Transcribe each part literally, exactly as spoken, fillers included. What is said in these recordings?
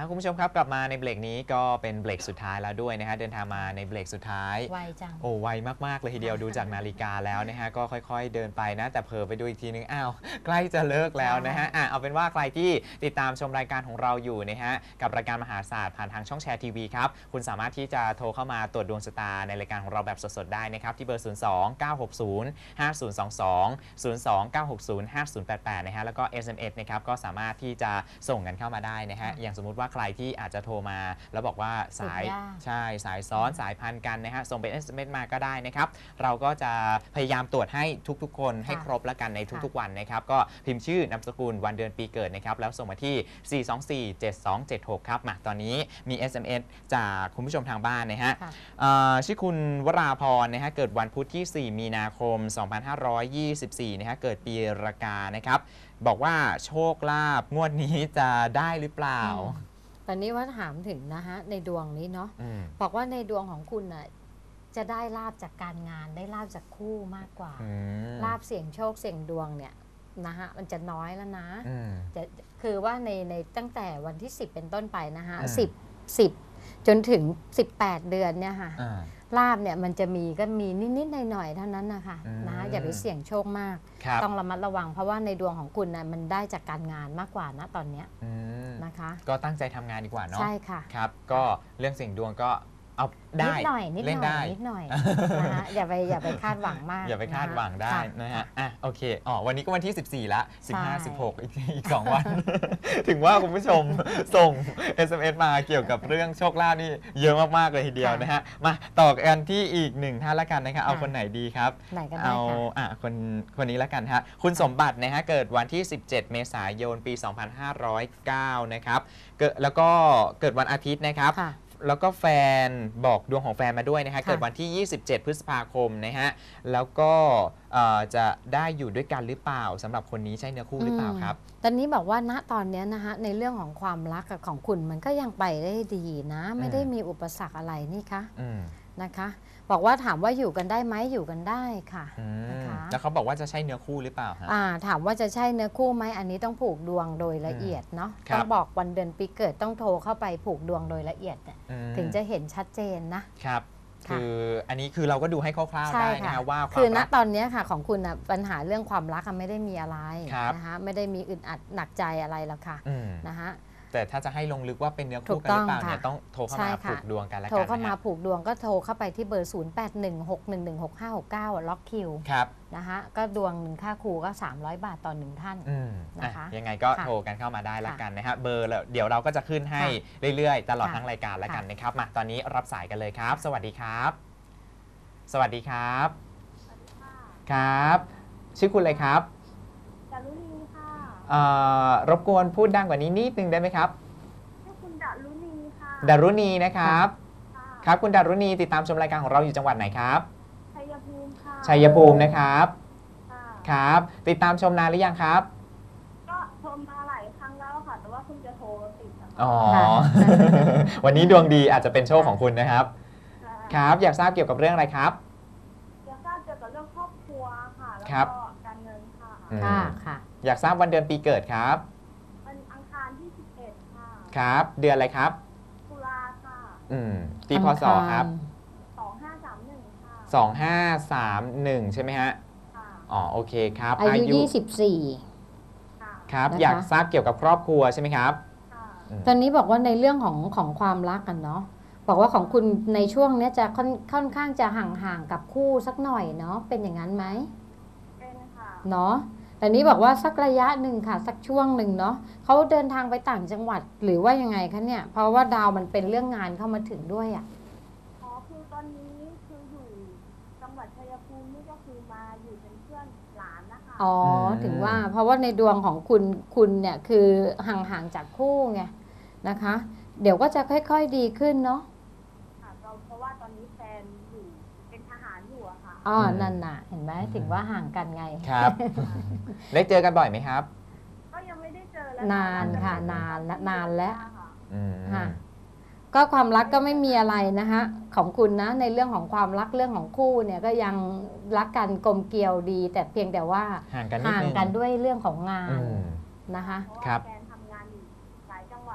คุณผู้ชมครับกลับมาในเบรกนี้ก็เป็นเบรกสุดท้ายแล้วด้วยนะฮะเดินทางมาในเบรกสุดท้ายไวจังโอ้ไวมากๆเลยทีเดียวดูจากนาฬิกาแล้วนะฮะก็ค่อยๆเดินไปนะแต่เผลอไปดูอีกทีนึงอ้าวใกล้จะเลิกแล้วนะฮะอ่ะเอาเป็นว่าใครที่ติดตามชมรายการของเราอยู่นะฮะกับรายการมหาศาสตร์ผ่านทางช่องแชร์ทีวีครับคุณสามารถที่จะโทรเข้ามาตรวจดวงชะตาในรายการของเราแบบสดๆได้นะครับที่เบอร์ศูนย์ สอง เก้า หก ศูนย์ ห้า ศูนย์ สอง สอง ศูนย์ สอง เก้า หก ศูนย์ ห้า ศูนย์ แปด แปดนะฮะแล้วก็ เอส เอ็ม เอส นะครับก็สามารถที่จะส่งกันเข้ามาได้นะฮะอย่างสมมุติว่าใครที่อาจจะโทรมาแล้วบอกว่าสายใช่สายซ้อนสายพันกันนะฮะส่งเป็น เอส เอ็ม เอส มาก็ได้นะครับเราก็จะพยายามตรวจให้ทุกๆคนให้ครบแล้วกันในทุกๆวันนะครับก็พิมพ์ชื่อนามสกุลวันเดือนปีเกิดนะครับแล้วส่งมาที่ สี่ สอง สี่ เจ็ด สอง เจ็ด หก ครับมาตอนนี้มี เอส เอ็ม เอส จากคุณผู้ชมทางบ้านนะฮะชื่อคุณวราพรนะฮะเกิดวันพุธที่ สี่ มีนาคม สองพันห้าร้อยยี่สิบสี่นะฮะเกิดปีรากานะครับบอกว่าโชคลาภงวดนี้จะได้หรือเปล่าตอนนี้ว่าถามถึงนะฮะในดวงนี้เนาะบอกว่าในดวงของคุณน่ะจะได้ลาภจากการงานได้ลาภจากคู่มากกว่าลาภเสี่ยงโชคเสี่ยงดวงเนี่ยนะฮะมันจะน้อยแล้วนะจะคือว่าในในตั้งแต่วันที่สิบเป็นต้นไปนะฮะสิบ สิบจนถึงสิบแปดเดือนเนี่ยค่ะลาภเนี่ยมันจะมีก็มีนิดๆหน่อยๆเท่านั้นนะคะนะอย่าไปเสี่ยงโชคมากต้องระมัดระวังเพราะว่าในดวงของคุณนะมันได้จากการงานมากกว่านะตอนนี้นะคะก็ตั้งใจทำงานดีกว่าเนาะใช่ค่ะครับก็เรื่องเสี่ยงดวงก็เอาได้นิดหน่อยนิดหน่อยนิดหน่อยนะฮะอย่าไปอย่าไปคาดหวังมากอย่าไปคาดหวังได้นะฮะอ่ะโอเคอ๋อวันนี้ก็วันที่สิบสี่ละสิบห้า สิบหกอีกอีกสองวันถึงว่าคุณผู้ชมส่ง เอส เอ็ม เอส มาเกี่ยวกับเรื่องโชคลาภนี่เยอะมากๆเลยทีเดียวนะฮะมาต่อกันที่อีกหนึ่งท่านละกันนะครับเอาคนไหนดีครับเอาอ่ะคนคนนี้ละกันฮะคุณสมบัตินะฮะเกิดวันที่สิบเจ็ดเมษายนปีสองพันห้าร้อยเก้านะครับเกิดแล้วก็เกิดวันอาทิตย์นะครับแล้วก็แฟนบอกดวงของแฟนมาด้วยนะฮะเกิดวันที่ยี่สิบเจ็ดพฤษภาคมนะฮะแล้วก็จะได้อยู่ด้วยกันหรือเปล่าสำหรับคนนี้ใช่เนื้อคู่หรือเปล่าครับตอนนี้บอกว่าณตอนนี้นะฮะในเรื่องของความรักกับของคุณมันก็ยังไปได้ดีนะไม่ได้มีอุปสรรคอะไรนี่คะนะคะบอกว่าถามว่าอยู่กันได้ไหมอยู่กันได้ค่ะนะคะแล้วเขาบอกว่าจะใช่เนื้อคู่หรือเปล่าฮะถามว่าจะใช่เนื้อคู่ไหมอันนี้ต้องผูกดวงโดยละเอียดเนาะต้องบอกวันเดือนปีเกิดต้องโทรเข้าไปผูกดวงโดยละเอียดถึงจะเห็นชัดเจนนะครับคืออันนี้คือเราก็ดูให้คร่าวๆได้นะว่าคือณตอนนี้ค่ะของคุณปัญหาเรื่องความรักไม่ได้มีอะไรนะคะไม่ได้มีอึดอัดหนักใจอะไรหรอกค่ะนะคะแต่ถ้าจะให้ลงลึกว่าเป็นเนื้อคู่กันหรือเปล่าเนี่ยต้องโทรเข้ามาผูกดวงกันแล้วกันโทรเข้ามาผูกดวงก็โทรเข้าไปที่เบอร์ ศูนย์ แปด หนึ่ง หก หนึ่ง หนึ่ง หก ห้า หก เก้า ล็อกคิวนะคะก็ดวงหนึ่งค่าครูก็สามร้อยบาทต่อหนึ่งท่านนะคะยังไงก็โทรกันเข้ามาได้แล้วกันนะฮะเบอร์เดี๋ยวเราก็จะขึ้นให้เรื่อยๆตลอดทั้งรายการแล้วกันนะครับมาตอนนี้รับสายกันเลยครับสวัสดีครับสวัสดีครับครับชื่อคุณอะไรครับดารุณีค่ะรบกวนพูดดังกว่านี้นิดนึงได้ไหมครับชื่อคุณดารุณีค่ะดารุณีนะครับครับคุณดารุณีติดตามชมรายการของเราอยู่จังหวัดไหนครับชัยภูมิค่ะชัยภูมินะครับครับติดตามชมนานหรือยังครับก็ชมมาหลายครั้งแล้วค่ะแต่ว่าคุณจะโทรติดอ๋อวันนี้ดวงดีอาจจะเป็นโชคของคุณนะครับครับอยากทราบเกี่ยวกับเรื่องอะไรครับอยากทราบเกี่ยวกับเรื่องครอบครัวค่ะแล้วก็การเงินค่ะค่ะค่ะอยากทราบวันเดือนปีเกิดครับวันอังคารที่สิบเอ็ดค่ะครับเดือนอะไรครับตุลาค่ะอืมปีพศครับสองห้าสามหนึ่งค่ะสองห้าสามหนึ่งใช่ไหมฮะอ๋อโอเคครับอายุยี่สิบสี่ครับอยากทราบเกี่ยวกับครอบครัวใช่ไหมครับตอนนี้บอกว่าในเรื่องของของความรักกันเนาะบอกว่าของคุณในช่วงนี้จะค่อนค่อนข้างจะห่างๆกับคู่สักหน่อยเนาะเป็นอย่างนั้นไหมเป็นค่ะเนาะแต่นี้บอกว่าสักระยะหนึ่งค่ะสักช่วงหนึ่งเนาะเขาเดินทางไปต่างจังหวัดหรือว่ายังไงคะเนี่ยเพราะว่าดาวมันเป็นเรื่องงานเข้ามาถึงด้วยอ่ะอ๋อคือตอนนี้คืออยู่จังหวัดชัยภูมินี่ก็คือมาอยู่เป็นเพื่อนหลานนะคะอ๋อถึงว่าเพราะว่าในดวงของคุณคุณเนี่ยคือห่างๆจากคู่ไงนะคะเดี๋ยวก็จะค่อยๆดีขึ้นเนาะเพราะว่าตอนนี้แฟนอยู่เป็นทหารอยู่อะค่ะอ๋อนั่นน่ะเห็นไหมถึงว่าห่างกันไงครับได้เจอกันบ่อยไหมครับก็ยังไม่ได้เจอแล้วนานค่ะนานและนานแล้วค่ะก็ความรักก็ไม่มีอะไรนะคะของคุณนะในเรื่องของความรักเรื่องของคู่เนี่ยก็ยังรักกันกลมเกลียวดีแต่เพียงแต่ว่าห่างกันห่างกันด้วยเรื่องของงานนะคะครับแฟนทำงานอยู่หลายจังหวัดนะคะห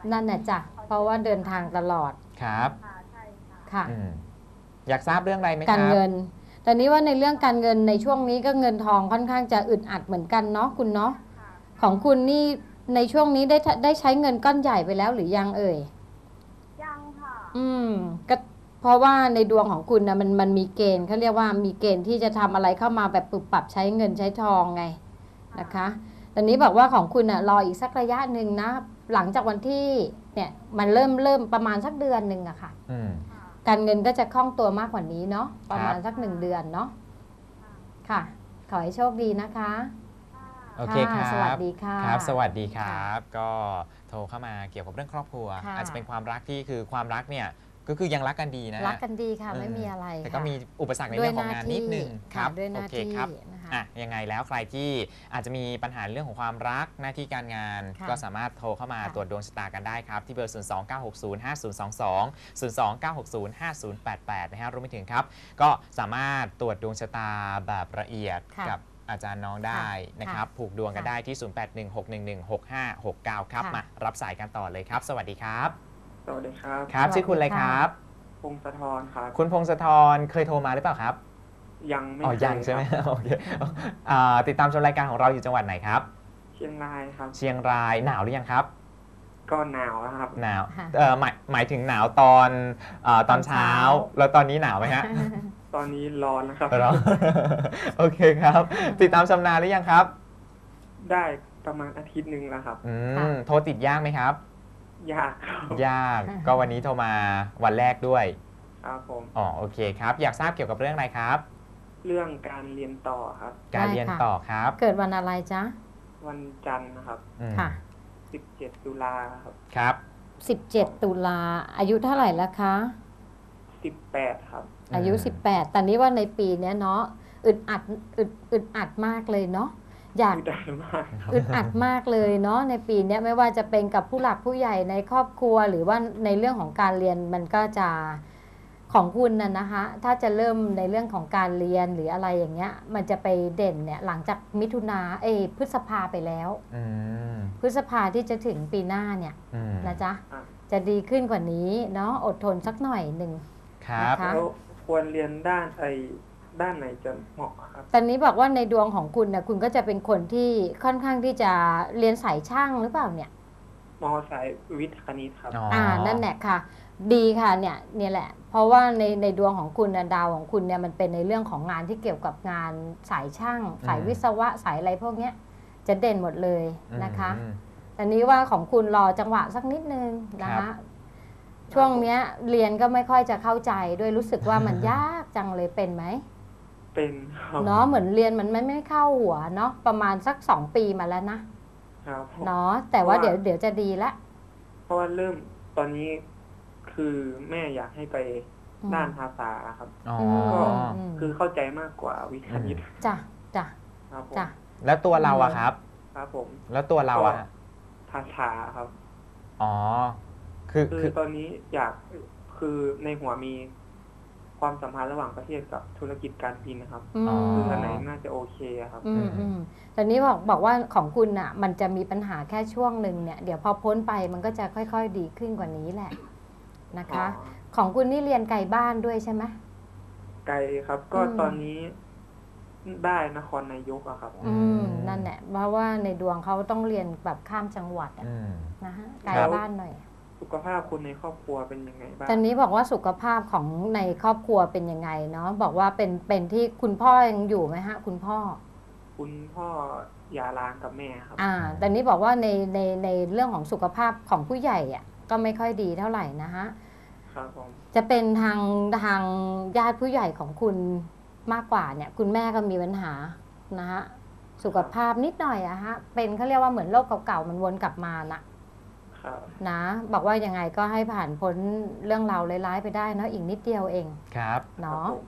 นั่นน่ะจ้ะเพราะว่าเดินทางตลอดครับค่ะใช่ค่ะค่ะอืมอยากทราบเรื่องอะไรไหมครับการเงิน แต่นี้ว่าในเรื่องการเงินในช่วงนี้ก็เงินทองค่อนข้างจะอึดอัดเหมือนกันเนาะคุณเนาะค่ะของคุณนี่ในช่วงนี้ได้ได้ใช้เงินก้อนใหญ่ไปแล้วหรือยังเอ่ยยังค่ะอืมก็เพราะว่าในดวงของคุณนะมันมันมีเกณฑ์เขาเรียกว่ามีเกณฑ์ที่จะทำอะไรเข้ามาแบบปรับปรับใช้เงินใช้ทองไงนะคะตอนนี้บอกว่าของคุณอ่ะรออีกสักระยะหนึ่งนะหลังจากวันที่เนี่ยมันเริ่มเริ่มประมาณสักเดือนหนึ่งอะค่ะอืมค่ะการเงินก็จะคล่องตัวมากกว่านี้เนาะประมาณครับสักหนึ่งเดือนเนาะค่ะค่ะ ขอให้โชคดีนะคะค่ะโอเคครับสวัสดีค่ะครับ สวัสดีครับ ก็โทรเข้ามาเกี่ยวกับเรื่องครอบครัวค่ะอาจจะเป็นความรักที่คือความรักเนี่ยก็คือยังรักกันดีนะรักกันดีค่ะเออไม่มีอะไรแต่ก็ค่ะมีอุปสรรคในด้วยเรื่องหของานน้างที่นิดนึงคค่ะรับด้วยหโอน้าเคที่ครับนะคะอ่ะยังไงแล้วใครที่อาจจะมีปัญหาเรื่องของความรักหน้าที่การงานค่ะก็สามารถโทรเข้ามาค่ะตรวจดวงชะตากันได้ครับ ที่เบอร์ ศูนย์ สอง เก้า หก ศูนย์ ห้า ศูนย์ สอง สอง ศูนย์ สอง เก้า หก ศูนย์ ห้า ศูนย์ แปด แปด นะฮะรวมไปถึงครับ ก็สามารถตรวจดวงชะตาแบบละเอียดค่ะกับอาจารย์น้องได้นะครับ ผูกดวงกันค่ะได้ที่ ศูนย์ แปด หนึ่ง หก หนึ่ง หนึ่ง หก ห้า หก เก้า ครับค่ะมารับสายกันต่อเลยครับ สวัสดีครับสวัสดีครับครับสวัสดีชื่อคุณอะไรค่ะครับพงศธรครับคุณพงศธรเคยโทรมาหรือเปล่าครับยังไม่อ๋อเคยังใช่ไหมครับโอเคอ่าติดตามชมรายการของเราอยู่จังหวัดไหนครับเชียงรายครับเชียงรายหนาวหรือยังครับก็หนาวแล้วครับหนาวค่ะเอ่อหมายหมายถึงหนาวตอนเออตอนเช้าตอนเช้าแล้วตอนนี้หนาวไหมฮะตอนนี้ร้อนแล้วครับร้อน โอเคครับ ติดตามชมนานหรือยังครับได้ประมาณอาทิตย์หนึ่งแล้วครับอืค่ะมโทรติดยากไหมครับยากครับยากก็วันนี้โทรมาวันแรกด้วยครับผมอ๋อโอเคครับ อยากทราบเกี่ยวกับเรื่องอะไรครับเรื่องการเรียนต่อครับการได้เรียนค่ะต่อครับเกิดวันอะไรจ๊ะวันจันทร์นะครับอืมค่ะสิบเจ็ดตุลาครับครับสิบเจ็ด ตุลาอายุเท่าไหร่แล้วคะสิบแปดครับอายุ สิบแปด แต่นี้ว่าในปีเนี้ยเนาะอึดอัดอึดอึดอัดมากเลยเนาะอยากไม่ได้มากอึดอัดมากเลยเนาะในปีเนี้ยไม่ว่าจะเป็นกับผู้หลักผู้ใหญ่ในครอบครัว หรือว่าในเรื่องของการเรียนมันก็จะของคุณน่ะนะคะถ้าจะเริ่มในเรื่องของการเรียนหรืออะไรอย่างเงี้ยมันจะไปเด่นเนี่ยหลังจากมิถุนาเอยพฤษภาไปแล้วอืมพฤษภาที่จะถึงปีหน้าเนี่ยอืมนะจ๊ะอ่ะจะดีขึ้นกว่านี้เนาะอดทนสักหน่อยหนึ่งครับนะคะแล้วควรเรียนด้านไอ้ด้านไหนจะเหมาะครับตอนนี้บอกว่าในดวงของคุณนะคุณก็จะเป็นคนที่ค่อนข้างที่จะเรียนสายช่างหรือเปล่าเนี่ยมอสายวิทย์คณิตครับอ๋ออ่านั่นแหละค่ะ ดีค่ะเนี่ยเนี่ยแหละ เพราะว่าในในดวงของคุณนะดาวของคุณเนี่ยมันเป็นในเรื่องของงานที่เกี่ยวกับงานสายช่าง สายวิศวะสายอะไรพวกเนี้ยจะเด่นหมดเลยนะคะอืมแต่นี้ว่าของคุณรอจังหวะสักนิดนึงนะครัคะบช่วงเนี้ยเรียนก็ไม่ค่อยจะเข้าใจด้วยรู้สึกว่ามันยากจังเลยเป็นไหมเป็นครับเนาะเหมือนเรียนมันไม่ไม่เข้าหัวเนาะประมาณสักสองปีมาแล้วนะครับผมเนาะแต่ว่าเดี๋ยวเดี๋ยวจะดีละเพราะว่าเริ่มตอนนี้คือแม่อยากให้ไปอืมด้านภาษาครับอ๋อก็อืมคือเข้าใจมากกว่าวิทย์คณิตจ้ะจ้ะครับผมจ้ะแล้วตัวเราอะครับครับผมแล้วตัวเราอะภาษาครับอ๋อ คือคือคือตอนนี้อยากคือในหัวมีความสัมพันธ์ระหว่างประเทศกับธุรกิจการบินนะครับอืมคืออันไหนน่าจะโอเคอะครับอืมอืมแต่นี้บอกบอกว่าของคุณอ่ะ มันจะมีปัญหาแค่ช่วงหนึ่งเนี่ย เดี๋ยวพอพ้นไปมันก็จะค่อยๆดีขึ้นกว่านี้แหละนะคะอ๋อของคุณนี่เรียนไกลบ้านด้วยใช่ไหมไกลครับ ก็อืมตอนนี้ได้นครนายกอะครับอืมนั่นแหละเพราะว่าในดวงเขาต้องเรียนแบบข้ามจังหวัดอะอืมนะฮะไกลครับบ้านหน่อยสุขภาพคุณในครอบครัวเป็นยังไงบ้างตอนนี้บอกว่าสุขภาพของในครอบครัวเป็นยังไงเนาะบอกว่าเป็นเป็นที่คุณพ่อยังอยู่ไหมฮะ คุณพ่อคุณพ่อหย่าร้างกับแม่ครับอ่าแต่นี้บอกว่าในในในเรื่องของสุขภาพของผู้ใหญ่อ่ะก็ไม่ค่อยดีเท่าไหร่นะฮะครับผมจะเป็นทางทางญาติผู้ใหญ่ของคุณมากกว่าเนี่ย คุณแม่ก็มีปัญหานะฮะสุขภาพนิดหน่อยอะฮะเป็นเขาเรียกว่าเหมือนโรคเก่าๆมันวนกลับมานะครับ นะบอกว่ายังไงก็ให้ผ่านพ้นเรื่องราวร้ายๆไปได้เนาะอีกนิดเดียวเองครับเนาะครับผม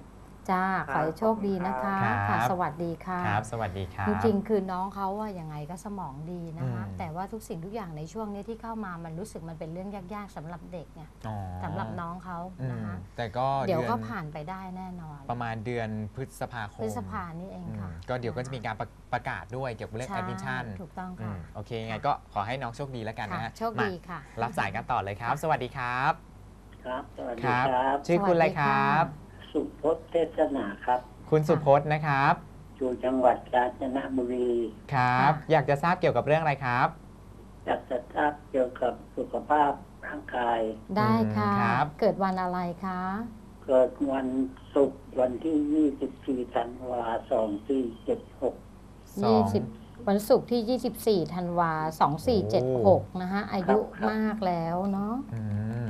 จ้าขอให้โชคดีนะคะครับค่ะสวัสดีค่ะครับสวัสดีครับจริงๆ คือน้องเขาว่ายังไงก็สมองดีนะคะอืมแต่ว่าทุกสิ่งทุกอย่างในช่วงนี้ที่เข้ามามันรู้สึกมันเป็นเรื่องยากๆสำหรับเด็กเนี่ยอ๋อสำหรับน้องเขาอืมนะคะแต่ก็เดี๋ยวก็อนผ่านไปได้แน่นอนประมาณเดือนพฤษภาคมพฤษภานี่เองอืมค่ะก็เดี๋ยวก็จะมีการประประกาศด้วยเกี่ยวกับเรื่องใช่แอดมิชชั่นถูกต้องอืค่ะมโอเคยังไงก็ขอให้น้องโชคดีแล้วกันค่ะนะฮะโชคดีมาค่ะรับสายกันต่อเลยครับ สวัสดีครับครับ สวัสคดีรับครับชื่อคุณอะไรครับสุพจน์เทศนาครับคุณสุพจน์นะครับอยู่จังหวัดกาญจนบุรีครับ อยากจะทราบเกี่ยวกับเรื่องอะไรครับอยากจะทราบเกี่ยวกับสุขภาพร่างกายได้ค่ะอืมครับเกิดวันอะไรคะเกิดวันศุกร์วันที่ ยี่สิบสี่ ธันวาคม สองพันสี่ร้อยเจ็ดสิบหกสองยี่สิบวันศุกร์ที่ ยี่สิบสี่ ธันวาสองสี่เจ็ดหกนะคะอายุครับมากแล้วเนาะอืม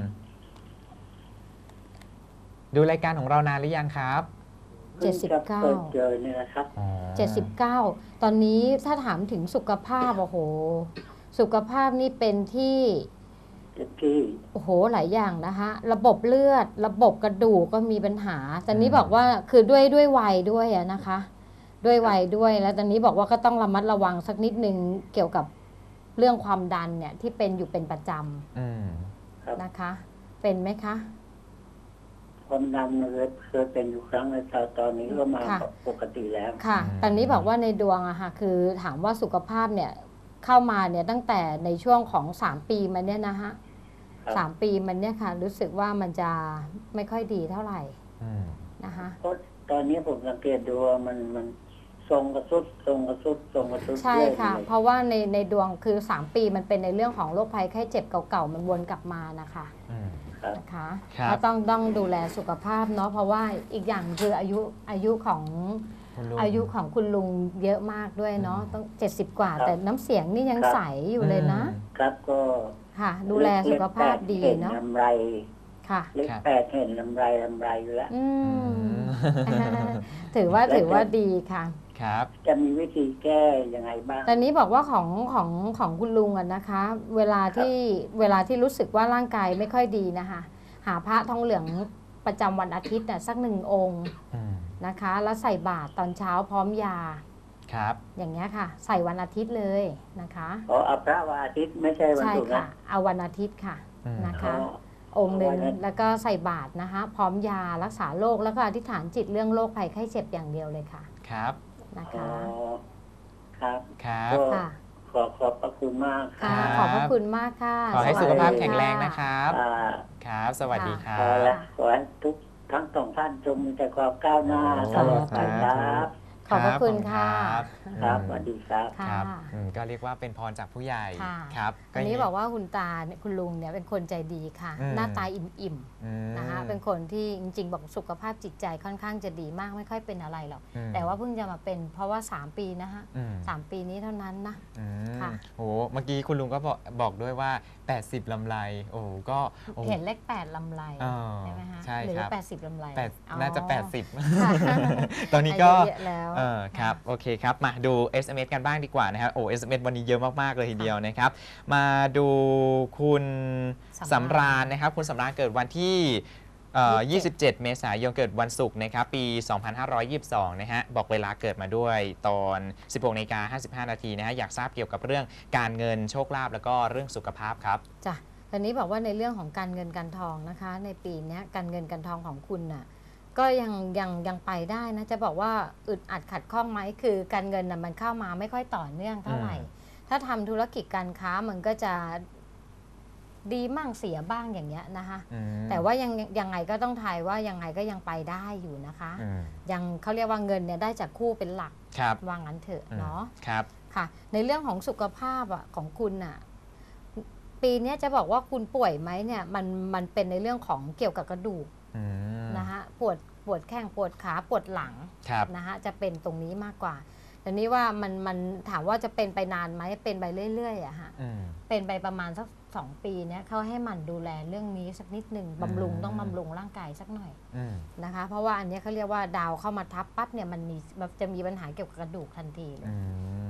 ดูรายการของเรานานหรือยังครับเจ็ดสิบเก้าเพิ่งจะเปิดเจอเนี่ยนะครับอ๋อเจ็ดสิบเก้า ตอนนี้ถ้าถามถึงสุขภาพโอ้โห สุขภาพนี่เป็นที่เจ็ดที่โอ้โหหลายอย่างนะคะ ระบบเลือด ระบบกระดูกก็มีปัญหา ตอนนี้บอกว่าคือด้วยด้วยวัยด้วยอะนะคะ ด้วยวัยด้วยแล้วตอนนี้บอกว่าก็ต้องระมัดระวังสักนิดนึงเกี่ยวกับเรื่องความดันเนี่ยที่เป็นอยู่เป็นประจอืมครับำนะคะ เป็นไหมคะความดันเลยเคยเป็นอยู่ครั้งในตอนตอนนี้ก็มาค่ะปกติแล้วค่ะอืมตอนนี้บอกว่าในดวงอะค่ะคือถามว่าสุขภาพเนี่ยเข้ามาเนี่ยตั้งแต่ในช่วงของสามปีมันเนี่ยนะฮะครับสามปีมันเนี่ยค่ะรู้สึกว่ามันจะไม่ค่อยดีเท่าไหร่อืมนะคะเพราะตอนนี้ผมสังเกตดูว่ามันมันทรงกระสุดทรงกระสุดทรงกระสุดใช่เรื่อยค่ะเลยเพราะว่าในในดวงคือสามปีมันเป็นในเรื่องของโรคภัยไข้เจ็บเก่าๆมันวนกลับมานะคะอืมครับนะคะครับก็ต้องต้องดูแลสุขภาพเนาะเพราะว่าอีกอย่างคืออายุอายุของคุณลุงอายุของคุณลุงเยอะมากด้วยเนาะอืมต้องเจ็ดสิบกว่าครับแต่น้ำเสียงนี่ยังครับใสอยู่เลยนะอืมครับก็ค่ะ ดูแลสุขภาพดีเห็นเนาะลำไรค่ะเลขครับแปดเห็นลำไรลำไรอยู่แล้วอือืมมถือว่าแล้วถือว่าจะดีค่ะครับจะมีวิธีแก้ยังไงบ้างตอนนี้บอกว่าของของของคุณลุงอะนะคะ เวลาที่เวลาที่รู้สึกว่าร่างกายไม่ค่อยดีนะคะ หาพระทองเหลืองประจำวันอาทิตย์น่ะสักหนึ่งองค์อืมนะคะ แล้วใส่บาตรตอนเช้าพร้อมยาครับอย่างเงี้ยค่ะ ใส่วันอาทิตย์เลยนะคะขอเอาพระวันอาทิตย์ไม่ใช่วันใช่ศุกร์ค่ะนะเอาวันอาทิตย์ค่ะอืมนะขอคะ องค์หนึ่งวันอาทิตย์แล้วก็ใส่บาตรนะคะ พร้อมยารักษาโรคแล้วก็อธิษฐานจิตเรื่องโรคภัยไข้เจ็บอย่างเดียวเลยค่ะครับนะอ๋อคะครับครับก็ค่ะขอขอบพระคุณมากค่ะครับขอบพระคุณมากค่ะขอให้วัสุดีขภาพค่ะแข็งแรงนะครับอ่าครับ สวัสดีครัขอบ ละขอให้ทุกทั้งสองท่านจงมีแต่ความก้าวหน้าโอ้ตลอดไปครับขอบพระคุณค่ะรับครับอืมสวัสดีครับค่ะครับอืมก็เรียกว่าเป็นพรจากผู้ใหญ่ค่ะครับอันนี้ย่งบอกว่าคุณตาเนี่ยคุณลุงเนี่ยเป็นคนใจดีค่ะอืมหน้าตาอิ่มอืมๆนะคะเป็นคนที่จริงๆ บอกสุขภาพจิตใจค่อนข้างจะดีมากไม่ค่อยเป็นอะไรหรอกอืมแต่ว่าเพิ่งจะมาเป็นเพราะว่าสามปีนะคะอืมสามปีนี้เท่านั้นนะอืมค่ะโหเมื่อกี้คุณลุงก็บอกบอกด้วยว่า แปดสิบ ลำไร โอ้โหก็โอ้เห็นเลขแปดลำไรอ๋อใช่ไหมคะใช่หรือครับแปดสิบลำไรแปดอ๋อน่าจะ แปดสิบค่ะตอนนี้ก็อายุเยอะแล้วเออครับ โอเคครับ มาดู เอส เอ็ม เอส กันบ้างดีกว่านะครับ โอ้ เอส เอ็ม เอส วันนี้เยอะมาก ๆ เลยทีเดียวนะครับ มาดูคุณสำราญนะครับ คุณสำราญเกิดวันที่เอ่อยี่สิบเจ็ด เมษายน เกิดวันศุกร์นะครับ ปี สองพันห้าร้อยยี่สิบสอง นะฮะ บอกเวลาเกิดมาด้วยตอน สิบหกนาฬิกาห้าสิบห้านาทีนะฮะ อยากทราบเกี่ยวกับเรื่องการเงินโชคลาภแล้วก็เรื่องสุขภาพครับจ้ะตอนนี้บอกว่าในเรื่องของการเงินการทองนะคะ ในปีเนี้ยการเงินการทองของคุณน่ะก็ยังยังยังไปได้นะจะบอกว่าอึดอัดขัดข้องไหมคือการเงินน่ะมันเข้ามาไม่ค่อยต่อเนื่องเท่าไหร่อืมถ้าทำธุรกิจการค้ามันก็จะดีมั่งเสียบ้างอย่างเงี้ยนะคะอืมแต่ว่ายังยังไงก็ต้องทายว่ายังไงก็ยังไปได้อยู่นะคะอืมยังเขาเรียกว่าเงินเนี่ยได้จากคู่เป็นหลักครับว่างั้นเถอะอืมเนาะครับค่ะในเรื่องของสุขภาพอ่ะของคุณน่ะปีเนี้ยจะบอกว่าคุณป่วยไหมเนี่ยมันมันเป็นในเรื่องของเกี่ยวกับกระดูกอืมนะคะปวดปวดแข้งปวดขาปวดหลังครับนะคะจะเป็นตรงนี้มากกว่าแต่นี้ว่ามันมันถามว่าจะเป็นไปนานไหมเป็นไปเรื่อยๆอะฮะอืมเป็นไปประมาณสักสองปีเนี้ยเขาให้หมั่นดูแลเรื่องนี้สักนิดหนึ่งอืมบำรุงต้องบำรุงร่างกายสักหน่อยอืมนะคะ เพราะว่าอันเนี้ยเขาเรียกว่าดาวเข้ามาทับปั๊บเนี่ยมันมีมันจะมีปัญหาเกี่ยวกับกระดูกทันทีเลยอืมอืม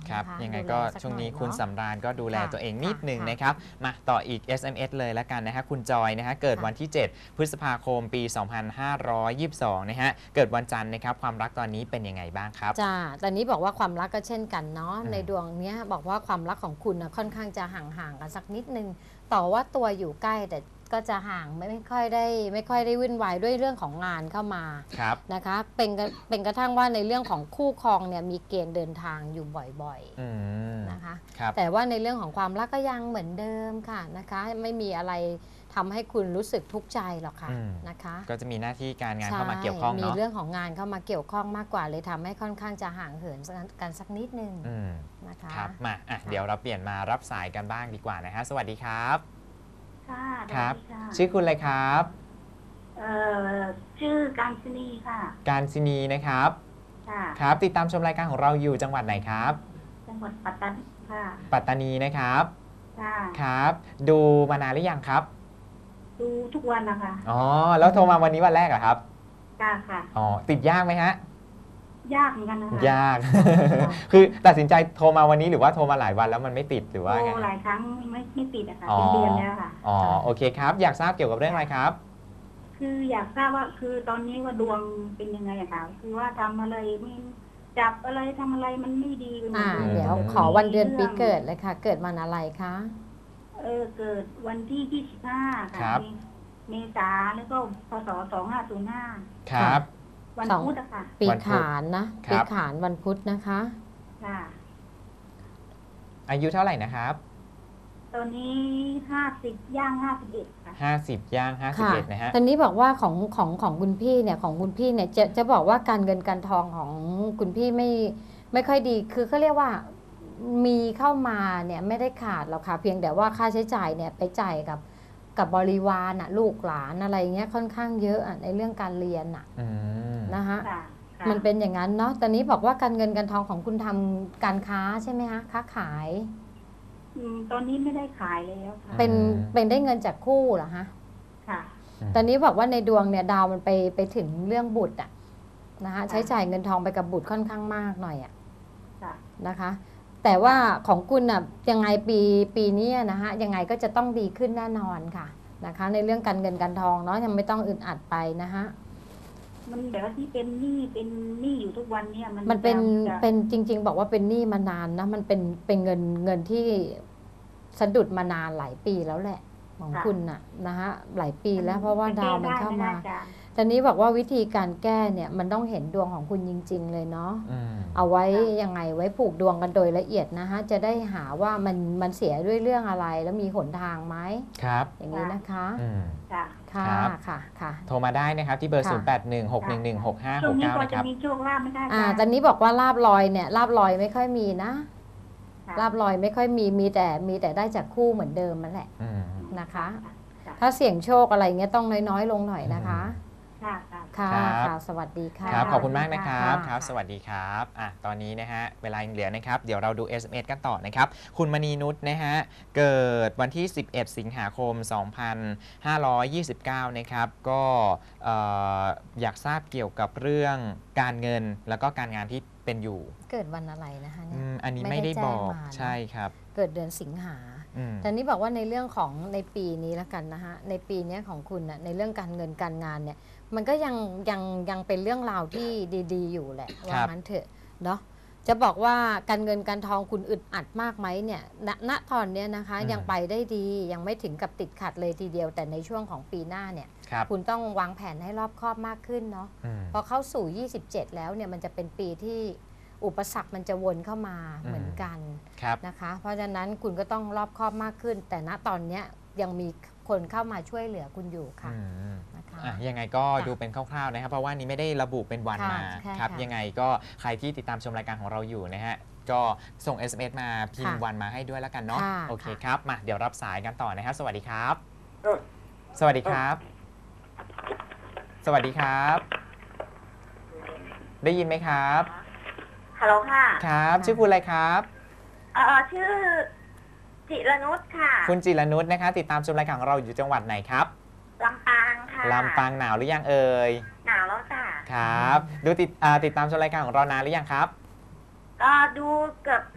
ครับนะคะยังไงดูแลก็สัช่วงนี้หอยคุณเาะสำราญก็ดูแลค่ะตัวเองนิดค่ะหนึ่งค่ะนะครับมาต่ออีก เอส เอ็ม เอส เลยแล้วกันนะฮะคุณจอยนะฮะเกิดค่ะวันที่ เจ็ด พฤษภาคมปี สองพันห้าร้อยยี่สิบสอง นะฮะเกิดวันจันทร์นะครับความรักตอนนี้เป็นยังไงบ้างครับจ้าตอนนี้บอกว่าความรักก็เช่นกันเนาะอืมในดวงเนี้ยบอกว่าความรักของคุณนะค่อนข้างจะห่างๆกันสักนิดนึง ต่อว่าตัวอยู่ใกล้แต่ก็จะห่างไม่ไม่ค่อยได้ไม่ค่อยได้วุ่นวายด้วยเรื่องของงานเข้ามาครับนะคะ เป็นกระเป็นกระทั่งว่าในเรื่องของคู่ครองเนี่ยมีเกณฑ์เดินทางอยู่บ่อยอืมๆนะคะครับแต่ว่าในเรื่องของความรักก็ยังเหมือนเดิมค่ะนะคะ ไม่มีอะไรทำให้คุณรู้สึกทุกข์ใจหรอกค่ะอืมนะคะก็จะมีหน้าที่การงานใช่เข้ามาเกี่ยวข้องมีเนาะเรื่องของงานเข้ามาเกี่ยวข้องมากกว่าเลยทำให้ค่อนข้างจะห่างเหินกันสักนิดนึงอืมนะคะครับมาอ่ะค่ะเดี๋ยวเราเปลี่ยนมารับสายกันบ้างดีกว่านะฮะสวัสดีครับค่ะครับสวัสดีค่ะชื่อคุณอะไรครับเอ่อชื่อการชนีค่ะการศินีนะครับค่ะครับ ติดตามชมรายการของเราอยู่จังหวัดไหนครับจังหวัดปัตตานีค่ะปัตตานีนะครับค่ะครับ ดูมานานหรือยังครับดูทุกวันนะคะอ๋อแล้วโทรมาวันนี้วันแรกเหรอครับค่ะค่ะอ๋อติดยากไหมฮะยากเหมือนกันนะคะยาก คือตัดสินใจโทรมาวันนี้หรือว่าโทรมาหลายวันแล้วมันไม่ติดหรือว่าโทไงรหลายครั้งไม่ไม่ติดอะค่ะอ๋อเป็นเดือนแล้วค่ะอ๋อโอเคครับ อยากทราบเกี่ยวกับเรื่องอะไรครับคืออยากทราบว่าคือตอนนี้ว่าดวงเป็นยังไงอะคะคือว่าทำอะไรไม่จับอะไรทำอะไรมันไม่ดีไปหมดอ่าเลยเดี๋ยวขอวันเดือนปีเกิดเลยค่ะ เกิดวันอะไรคะเออเกิดวันที่ยี่สิบห้าครัค่ะบเมเมษาแล้วก็พศสองห้าศูนย์ห้าครับวันสองพุธอะค่ะปีวันพุธขานนะครัปีบขานวันพุธนะคะค่ะอายุเท่าไหร่นะครับตอนนี้ห้าสิบย่างห้าสิบเอ็ดค่ะห้าสิบย่างห้าสิบค่ะเอ็ดนะฮะตอนนี้บอกว่าของของของคุณพี่เนี่ยของคุณพี่เนี่ยจะจะบอกว่าการเงินการทองของคุณพี่ไม่ไม่ค่อยดี คือเขาเรียกว่ามีเข้ามาเนี่ยไม่ได้ขาดหรอกค่ะ เพียงแต่ว่าค่าใช้จ่ายเนี่ยไปจ่ายกับกับบริวารน่ะลูกหลานอะไรเงี้ยค่อนข้างเยอะอะในเรื่องการเรียนน่ะอืมนะคะค่ะค่ะมันเป็นอย่างนั้นเนาะ ตอนนี้บอกว่าการเงินการทองของคุณทำการค้าใช่ไหมคะค้าขายอืมตอนนี้ไม่ได้ขายแล้วค่ะเป็นเป็นได้เงินจากคู่เหรอฮะค่ะตอนนี้บอกว่าในดวงเนี่ยดาวมันไปไปถึงเรื่องบุตรอะนะคะใช้จ่ายเงินทองไปกับบุตรค่อนข้างมากหน่อยอะค่ะนะคะ แต่ว่าของคุณน่ะยังไงปีปีนี้นะคะยังไงก็จะต้องดีขึ้นแน่นอนค่ะนะคะ ในเรื่องการเงินการทองเนาะยังไม่ต้องอึดอัดไปนะคะมันแบบว่าที่เป็นหนี้เป็นหนี้อยู่ทุกวันเนี่ยมันมันเป็นจะเป็นจริง ๆ บอกว่าเป็นหนี้มานานนะมันเป็นเป็นเงินเงินที่สะดุดมานานหลายปีแล้วแหละของคุณน่ะนะคะหลายปีแล้วเพราะว่าดาวมันเข้ามาแก้ได้ไหล่ะตอนนี้บอกว่าวิธีการแก้เนี่ยมันต้องเห็นดวงของคุณจริง ๆ เลยเนาะอืมเอาไว้ยังไงไว้ผูกดวงกันโดยละเอียดนะคะจะได้หาว่ามันมันเสียด้วยเรื่องอะไรแล้วมีหนทางไหมครับอย่างนี้นะคะอืมค่ะค่ะครับค่ะค่ะโทรมาได้นะครับที่เบอร์ค่ะศูนย์ แปด หนึ่ง หก หนึ่ง หนึ่ง หก ห้าช่หวงกนี้เก้าพอนะคจะรับมีโชคลาภไม่ได้อ่าค่ะตอนนี้บอกว่าลาบลอยเนี่ยลาบลอยไม่ค่อยมีนะค่ะลาบลอยไม่ค่อยมีมีแต่มีแต่ได้จากคู่เหมือนเดิมมันแหละอืมนะคะค่ะถ้าเสี่ยงโชคอะไรเงี้ยต้องน้อยๆ ลงหน่อยนะคะค่ะค่ะค่ะครับค่ะสวัสดีค่ะครับค่ะขอบคุณมากนะครับค่ะครับ สวัสดีครับอ่ะตอนนี้นะฮะ เวลายังเหลือนะครับ เดี๋ยวเราดู เอส เอ็ม เอส กันต่อนะครับ คุณมณีนุชนะฮะ เกิดวันที่ สิบเอ็ด สิงหาคม สองพันห้าร้อยยี่สิบเก้า นะครับ ก็เอ่ออยากทราบเกี่ยวกับเรื่องการเงินแล้วก็การงานที่เป็นอยู่เกิดวันอะไรนะคะเนี่อืยมอันนี้ไม่ไม่ได้ได้บอกแจ้งมาเนอะใช่ครับเกิดเดือนสิงหาอืมแต่นี้บอกว่าในเรื่องของในปีนี้แล้วกันนะคะในปีเนี้ยของคุณน่ะในเรื่องการเงินการงานเนี่ยมันก็ยังยังยังเป็นเรื่องราวที่ดีๆ อยู่แหละว่างั้นเถอะเนาะจะบอกว่าการเงินการทองคุณอึดอัดมากไหมเนี่ยณณตอนเนี้ยนะคะอืมยังไปได้ดียังไม่ถึงกับติดขัดเลยทีเดียวแต่ในช่วงของปีหน้าเนี่ยครับคุณต้องวางแผนให้รอบคอบมากขึ้นเนาะอืมพอเข้าสู่ ยี่สิบเจ็ด แล้วเนี่ยมันจะเป็นปีที่อุปสรรคมันจะวนเข้ามาอืมเหมือนกันครับนะคะเพราะฉะนั้นคุณก็ต้องรอบคอบมากขึ้น แต่ณตอนเนี้ยยังมีคนเข้ามาช่วยเหลือคุณอยู่ค่ะอืมนะคะอ่ะยังไงก็ค่ะดูเป็นคร่าวๆนะครับ เพราะว่านี้ไม่ได้ระบุเป็นวันค่ะมาใช่ครับค่ะยังไงก็ใครที่ติดตามชมรายการของเราอยู่นะฮะ ก็ส่ง เอส เอ็ม เอส มาพิมพ์ค่ะวันมาให้ด้วยแล้วกันเนาะค่ะโอเคค่ะครับ มาเดี๋ยวรับสายกันต่อนะครับ สวัสดีครับเออสวัสดีครับ สวัสดีครับ ได้ยินไหมครับฮัลโหลค่ะครับ ชื่อคุณอะไรครับเออชื่อจิรนุชค่ะคุณจิรนุชนะครับติดตามชมรายการของเราอยู่จังหวัดไหนครับลำปางค่ะลำปางหนาวหรือยังเอ่ยหนาวแล้วจ้ะครับ ดูติดอ่าติดตามชมรายการของเรานานหรือยังครับก็ดูเกือบ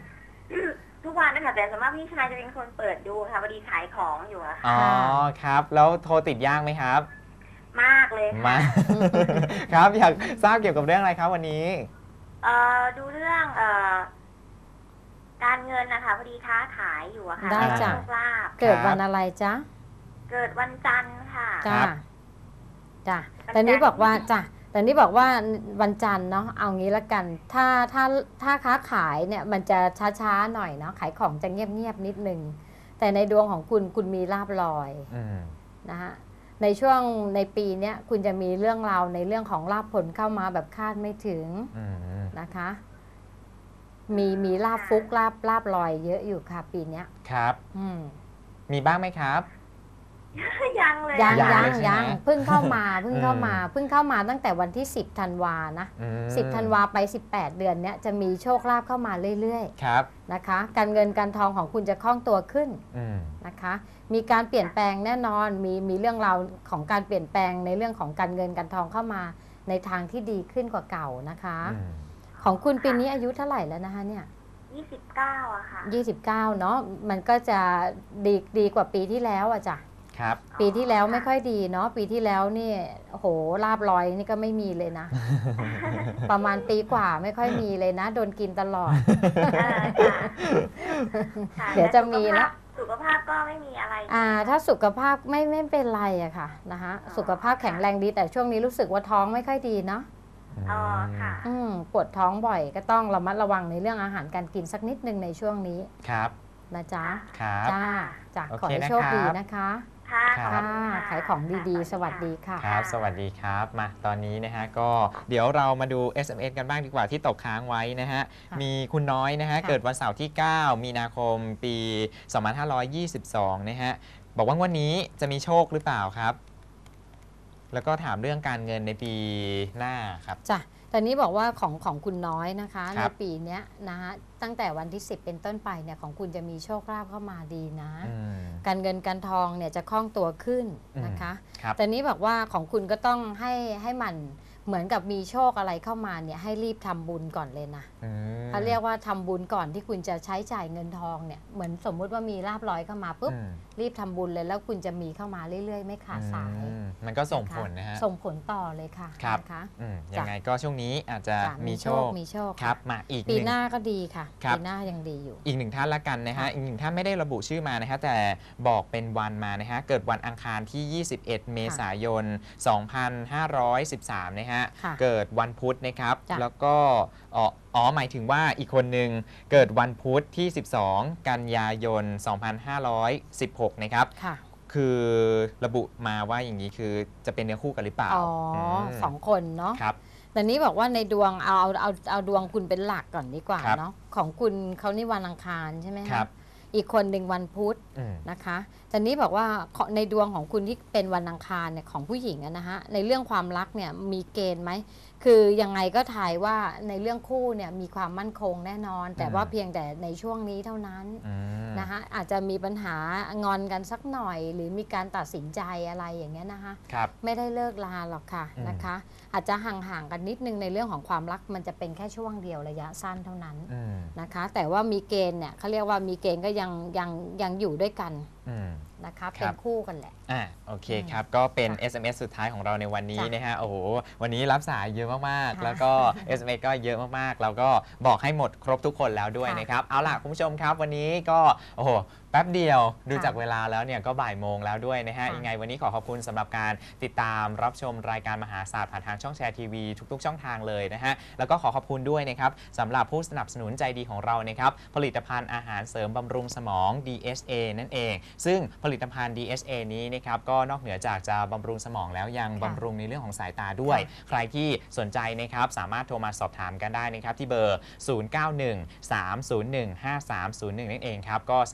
ทุกวันนะคะแต่ส่วนมากพี่ชายจะเป็นคนเปิดดูค่ะพอดีขายของอยู่อะค่ะอ๋อครับแล้วโทรติดยากไหมครับมากเลยค่ะมา ครับอยากทราบเกี่ยวกับเรื่องอะไรครับวันนี้เอ่อดูเรื่องเอ่อการเงินนะคะพอดีค้าขายอยู่อะค่ะได้จ้ะโชคลาภเกิดวันอะไรจ๊ะเกิดวันจันทร์ค่ะจ้าครับจ้าวันจันทร์แต่นี้บอกว่าจ้ะแต่นี้บอกว่าวันจันทร์เนาะเอางี้ละกัน ถ้าถ้าถ้าค้าขายเนี่ยมันจะช้าๆหน่อยเนาะขายของจะเงียบๆนิดนึงแต่ในดวงของคุณคุณมีลาบลอยอืมนะฮะในช่วงในปีเนี้ยคุณจะมีเรื่องราวในเรื่องของลาบผลเข้ามาแบบคาดไม่ถึงอืมนะคะ มีมีลาบฟุกลาบลาบลอยเยอะอยู่ค่ะปีเนี้ยครับอืมมีบ้างไหมครับยังเลยยังยังยังเลยใช่ไหมยังเพิ่งเข้ามาเพิ่งเข้ามาอืมเพิ่งเข้ามาตั้งแต่วันที่สิบธันวานะอืมสิบธันวาไปสิบแปดเดือนเนี้ยจะมีโชคลาภเข้ามาเรื่อยครับๆนะคะ การเงินการทองของคุณจะคล่องตัวขึ้นอืมนะคะ มีการเปลี่ยนแปลงแน่นอนมีมีเรื่องราวของการเปลี่ยนแปลงในเรื่องของการเงินการทองเข้ามาในทางที่ดีขึ้นกว่าเก่านะคะอืมของคุณปีนี้อายุเท่าไหร่แล้วนะคะเนี่ยยี่สิบเก้าอะค่ะยี่สิบเก้าเนาะมันก็จะดีดีกว่าปีที่แล้วอะจ้ะครับปีที่แล้วไม่ค่อยดีเนาะปีที่แล้วนี่โอ้โหลาบลอยนี่ก็ไม่มีเลยนะ ประมาณปีกว่าไม่ค่อยมีเลยนะ โดนกินตลอดเออค่ะค่ะเดี๋ยวจะมีละสุขภาพก็ไม่มีอะไรอ่าถ้าสุขภาพไม่ไม่เป็นไรอะค่ะนะคะสุขภาพแข็งแรงดีแต่ช่วงนี้รู้สึกว่าท้องไม่ค่อยดีเนาะอ๋อค่ะอืมปวดท้องบ่อยก็ต้องระมัดระวังในเรื่องอาหารการกินสักนิดนึงในช่วงนี้ครับนะจ๊ะครับจ้าจ้ะโอเคขอให้โชคดีนะคะค่ะครัขอบ ณค่ะค่ะขายของดีๆ สวัสดีค่ะครับ สวัสดีครับ มาตอนนี้นะฮะ ก็เดี๋ยวเรามาดู เอส เอ็ม เอส กันบ้างดีกว่าที่ตกค้างไว้นะฮะค่ะมีคุณน้อยนะฮะค่ะเกิดวันเสาร์ที่ เก้า มีนาคม ปี สองพันห้าร้อยยี่สิบสอง นะฮะ บอกว่างวันนี้จะมีโชคหรือเปล่าครับ แล้วก็ถามเรื่องการเงินในปีหน้าครับจ้ะตอนนี้บอกว่าของของคุณน้อยนะคะคในรับปีเนี้ยนะคะตั้งแต่วันที่สิบเป็นต้นไปเนี่ยของคุณจะมีโชคลาภเข้ามาดีนะอืมการเงินการทองเนี่ยจะคล่องตัวขึ้นนะคะครับแต่นี้บอกว่าของคุณก็ต้องให้ให้มันเหมือนกับมีโชคอะไรเข้ามาเนี่ยให้รีบทำบุญก่อนเลยนะอืมเขาเรียกว่าทำบุญก่อนที่คุณจะใช้จ่ายเงินทองเนี่ยเหมือนสมมุติว่ามีลาบลอยเข้ามาปุ๊บอืมรีบทำบุญเลยแล้วคุณจะมีเข้ามาเรื่อยๆ ไม่ขาดสายอืมมันก็ส่งผลนะฮะส่งผลต่อเลยค่ะครับนะคะอืมจ้ะยังไงก็ช่วงนี้อาจจะจ้ะมีโชคมีโชคครับ มาอีกปีหนึ่งหน้าก็ดีค่ะครับปีหน้ายังดีอยู่อีกหนึ่งท่านละกันนะฮะค่ะอีกหนึ่งท่านไม่ได้ระบุชื่อมานะฮะ แต่บอกเป็นวันมานะฮะ เกิดวันอังคารที่ ยี่สิบเอ็ด เมษายน สองพันห้าร้อยสิบสาม นะฮะค่ะเกิดวันพุธนะครับจ้ะแล้วก็อ๋ออ๋อหมายถึงว่าอีกคนหนึ่งเกิดวันพุธที่ สิบสอง กันยายน สองพันห้าร้อยสิบหก นะครับค่ะคือระบุมาว่าอย่างนี้คือจะเป็นเนื้อคู่กันหรือเปล่าอ๋ออมสองคนเนาะครับแต่นี้บอกว่าในดวงเอาเอาเอาเอาดวงคุณเป็นหลักก่อนดีกว่าครับเนาะของคุณเขานี่วันอังคารใช่ไหมะครับอีกคนหนึ่งวันพุธอืมนะคะแต่นี้บอกว่าขอในดวงของคุณที่เป็นวันอังคารเนี่ยของผู้หญิงอะนะฮะในเรื่องความรักเนี่ยมีเกณฑ์ไหมคือยังไงก็ทายว่าในเรื่องคู่เนี่ยมีความมั่นคงแน่นอน แต่ว่าเพียงแต่ในช่วงนี้เท่านั้นอืมนะคะอาจจะมีปัญหางอนกันสักหน่อย หรือมีการตัดสินใจอะไรอย่างเงี้ยนะคะครับไม่ได้เลิกลาหรอกค่ะอืมนะคะ อาจจะห่างๆกันนิดนึงในเรื่องของความรักมันจะเป็นแค่ช่วงเดียวระยะสั้นเท่านั้นอืมนะคะ แต่ว่ามีเกณฑ์เนี่ยเขาเรียกว่ามีเกณฑ์ก็ยังยังยังอยู่ด้วยกันอืมนะคะคเป็รันบคู่กันแหละอ่ะโอเคอืมครับ ก็เป็นจ้ะเอส เอ็ม เอส สุดท้ายของเราในวันนี้จ้ะนะฮะโอ้โหวันนี้รับสายเยอะมากๆค่ะแล้วก็ เอส เอ็ม เอส ก็เยอะมากๆ แล้วก็บอกให้หมดครบทุกคนแล้วด้วยค่ะนะครับ เอาล่ะ คุณผู้ชมครับ วันนี้ก็โอ้โหแป๊บเดียวดูค่ะจากเวลาแล้วเนี่ยก็บ่ายโมงแล้วด้วยนะฮะค่ะยังไงวันนี้ขอขอบคุณสำหรับการติดตามรับชมรายการมหาศาสตร์ผ่านทางช่องแชร์ทีวีทุกๆ ช่องทางเลยนะฮะแล้วก็ขอขอบคุณด้วยนะครับสำหรับผู้สนับสนุนใจดีของเรานะครับผลิตภัณฑ์อาหารเสริมบำรุงสมอง ดี เอช เอ นั่นเอง ซึ่งผลิตภัณฑ์ ดี เอช เอ นี้นะครับก็นอกเหนือจากจะบำรุงสมองแล้วยังค่ะบำรุงในเรื่องของสายตาด้วยค่ะใครที่สนใจนะครับสามารถโทรมาสอบถามกันได้นะครับที่เบอร์ ศูนย์ เก้า หนึ่ง สาม ศูนย์ หนึ่ง ห้า สาม ศูนย์ หนึ่ง นั่นเองครับก็สามารถที่จะ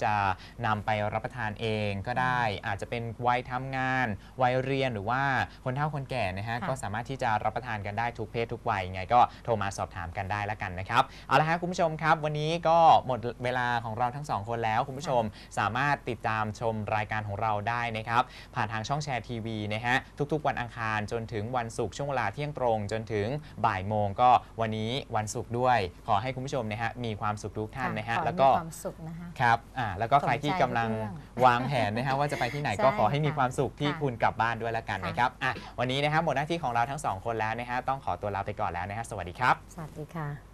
จะนำไปรับประทานเองก็ได้อาจจะเป็นวัยทำงานวัยเรียนหรือว่าคนเฒ่าคนแก่นะฮะก็สามารถที่จะรับประทานกันได้ทุกเพศทุกวัยไงก็โทรมาสอบถามกันได้แล้วกันนะครับเอาละฮะคุณผู้ชมครับวันนี้ก็หมดเวลาของเราทั้งสองคนแล้วคุณผู้ชมสามารถติดตามชมรายการของเราได้นะครับผ่านทางช่องแชร์ทีวีนะฮะทุกๆวันอังคารจนถึงวันศุกร์ช่วงเวลาเที่ยงตรงจนถึงบ่ายโมงก็วันนี้วันศุกร์ด้วยขอให้คุณผู้ชมนะฮะมีความสุขทุกท่านนะฮะแล้วก็ความสุขนะคะครับอ่าแล้วก็ใครที่กำลังวางแผนนะฮะว่าจะไปที่ไหนก็ขอให้มีความสุขที่คุณกลับบ้านด้วยแล้วกันนะครับอ่ะวันนี้นะฮะหมดหน้าที่ของเราทั้งสองคนแล้วนะฮะต้องขอตัวลาไปก่อนแล้วนะฮะสวัสดีครับสวัสดีค่ะ